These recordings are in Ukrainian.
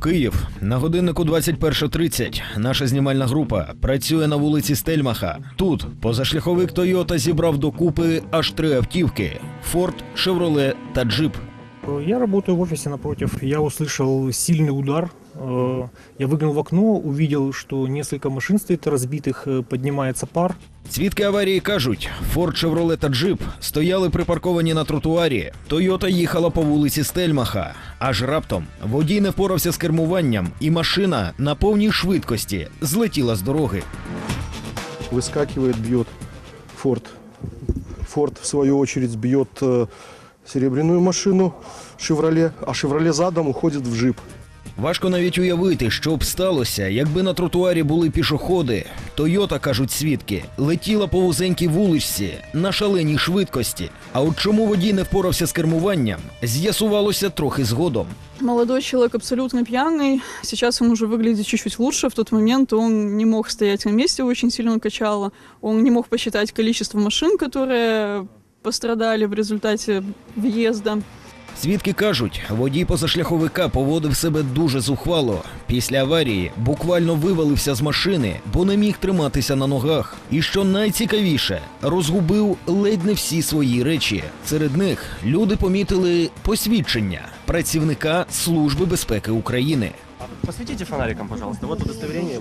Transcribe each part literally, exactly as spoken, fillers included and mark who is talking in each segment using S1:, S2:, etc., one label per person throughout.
S1: Київ. На годиннику двадцять перша тридцять. Наша знімальна група працює на вулиці Стельмаха. Тут позашляховик Toyota зібрав докупи аж три автівки – Ford, Chevrolet та Jeep.
S2: Я работаю в офисе напротив. Я услышал сильный удар. Я выглянул в окно, увидел, что несколько машин стоит разбитых, поднимается пар.
S1: Свідки аварії кажуть, Ford, Chevrolet та Jeep стояли припарковані на тротуарі. Toyota їхала по вулиці Стельмаха. Аж раптом водій не впорався з кермуванням, і машина на повній швидкості злетіла з дороги.
S3: Выскакивает, бьет Ford. Ford, в свою очередь, бьет э, серебряную машину Chevrolet, а Chevrolet задом уходит в Jeep.
S1: Важко навіть уявити, що б сталося, якби на тротуарі були пішоходи. Toyota, кажуть свідки, летіла по вузенькій вуличці на шаленій швидкості. А от чому водій не впорався з кермуванням, з'ясувалося трохи згодом.
S4: Молодой человек абсолютно пьяный. Сейчас он уже выглядит чуть-чуть лучше. В тот момент он не мог стоять на месте, очень сильно качало. Он не мог посчитать количество машин, которые пострадали в результате въезда.
S1: Свідки кажуть, водій позашляховика поводив себе дуже зухвало. Після аварії буквально вивалився з машини, бо не міг триматися на ногах. І що найцікавіше, розгубив ледь не всі свої речі. Серед них люди помітили посвідчення працівника Служби безпеки України.
S5: Посветите фонариком, пожалуйста. Вот удостоверение.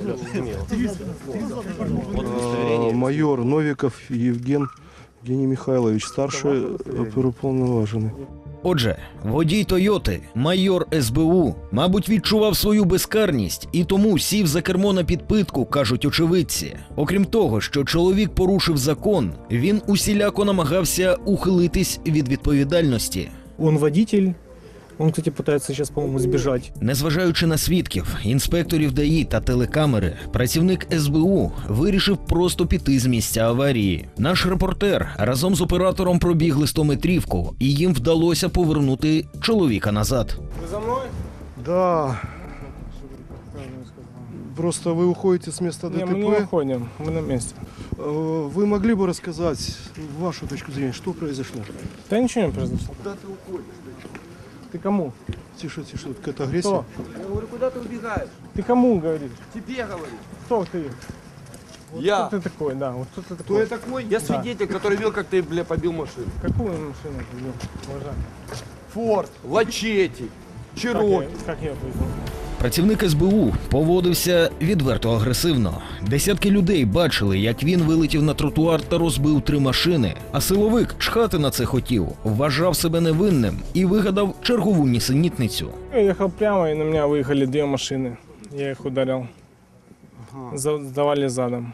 S3: Вот удостоверение. Майор Новиков Евген Евгений Михайлович, старший оперуповноважений.
S1: Отже, водій Тойоти, майор ес бе у, мабуть, відчував свою безкарність і тому сів за кермо на підпитку, кажуть очевидці. Окрім того, що чоловік порушив закон, він усіляко намагався ухилитись від відповідальності.
S2: Он водитель. Он, кстати, пытается сейчас, по-моему, сбежать.
S1: Незважаючи на свідків, інспекторів ДАІ та телекамери, працівник ес бе у вирішив просто піти з місця аварії. Наш репортер разом з оператором пробігли стометрівку, і їм вдалося повернути чоловіка назад.
S3: Ви за мною? Да. Просто вы уходите с места ДТП.
S6: Не, мы не уходим, мы на месте.
S3: Вы могли бы рассказать вашу точку зрения, что произошло?
S6: Да ничего не произошло.
S3: Куда ты уходишь?
S6: Ты кому?
S3: Тише, тише, какая-то агрессия.
S6: Кто?
S5: Я говорю, куда ты убегаешь?
S6: Ты кому говоришь?
S5: Тебе говорю.
S6: Кто ты? Вот
S5: Я.
S6: Кто ты такой, да, вот кто ты
S5: Кто
S6: такой?
S5: я такой? Я свидетель, который видел, как ты, бля, побил машину.
S6: Какую машину ты вел, уважаемый?
S5: Форд, Лачети,
S6: Как
S5: Чироки.
S6: я, как я повезу?
S1: Працівник ес бе у поводився відверто агресивно. Десятки людей бачили, як він вилетів на тротуар та розбив три машини. А силовик чхати на це хотів, вважав себе невинним і вигадав чергову нісенітницю.
S6: Я ехал прямо, и на меня выехали две машины. Я их ударил. За- Сдавали задом.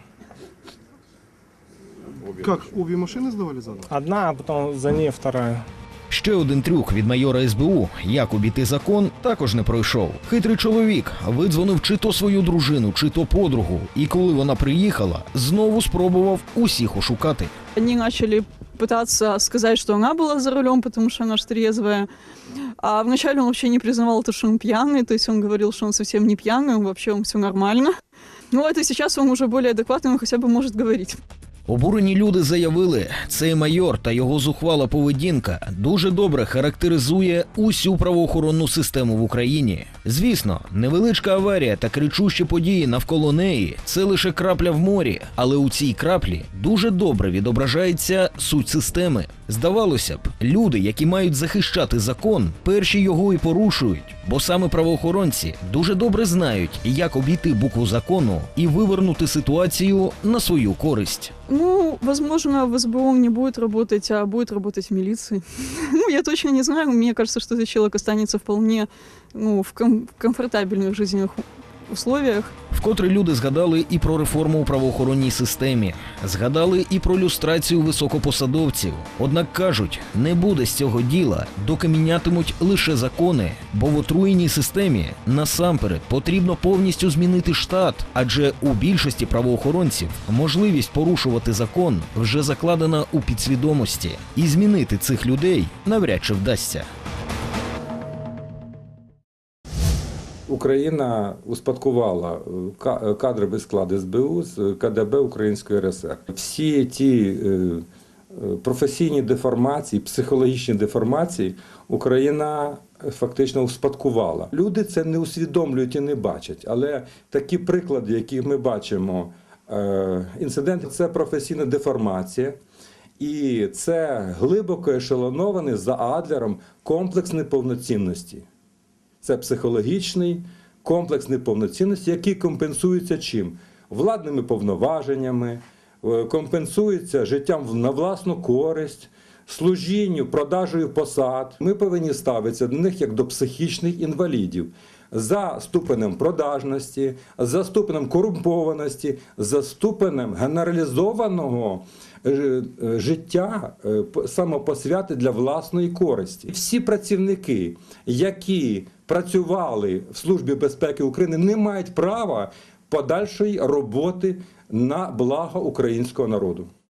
S3: Как, обе машины сдавали задом?
S6: Одна, а потом за ней вторая.
S1: Ще один трюк від майора ес бе у, як обійти закон, також не пройшов. Хитрий чоловік видзвонив чи то свою дружину, чи то подругу, і коли вона приїхала, знову спробував усіх ошукати.
S4: Они начали пытаться сказать, что она была за рулем, потому что она ж трезвая. А вначале он вообще не признавал то, что он пьяный, то есть он говорил, что он совсем не пьяный, он вообще он все нормально. Ну это сейчас он уже более адекватный, он хотя бы может говорить.
S1: Обурені люди заявили, цей майор та його зухвала поведінка дуже добре характеризує усю правоохоронну систему в Україні. Звісно, невеличка аварія та кричущі події навколо неї – це лише крапля в морі, але у цій краплі дуже добре відображається суть системи. Здавалося б, люди, які мають захищати закон, перші його і порушують, бо саме правоохоронці дуже добре знають, як обійти букву закону і вивернути ситуацію на свою користь.
S4: Ну, возможно, в эс бэ о он не будет работать, а будет работать в милиции. Ну, я точно не знаю. Мне кажется, что этот человек останется вполне ну, в, ком- в комфортабельных жизненных условиях.
S1: Вкотре люди згадали і про реформу у правоохоронній системі, згадали і про люстрацію високопосадовців. Однак кажуть, не буде з цього діла, доки мінятимуть лише закони, бо в отруєній системі насамперед потрібно повністю змінити штат, адже у більшості правоохоронців можливість порушувати закон вже закладена у підсвідомості, і змінити цих людей навряд чи вдасться.
S7: Україна успадкувала кадровий склад ес бе у з ка де бе Української ер ес ер. Всі ті професійні деформації, психологічні деформації Україна фактично успадкувала. Люди це не усвідомлюють і не бачать, але такі приклади, які ми бачимо, е, інциденти – це професійна деформація, і це глибоко ешелонований за Адлером комплекс неповноцінності. Це психологічний комплекс неповноцінності, який компенсується чим? Владними повноваженнями, компенсується життям на власну користь, служінню, продажею посад. Ми повинні ставитися до них як до психічних інвалідів за ступенем продажності, за ступенем корумпованості, за ступенем генералізованого життя самопосвяти для власної користі. Всі працівники, які працювали в Службі безпеки України, не мають права подальшої роботи на благо українського народу.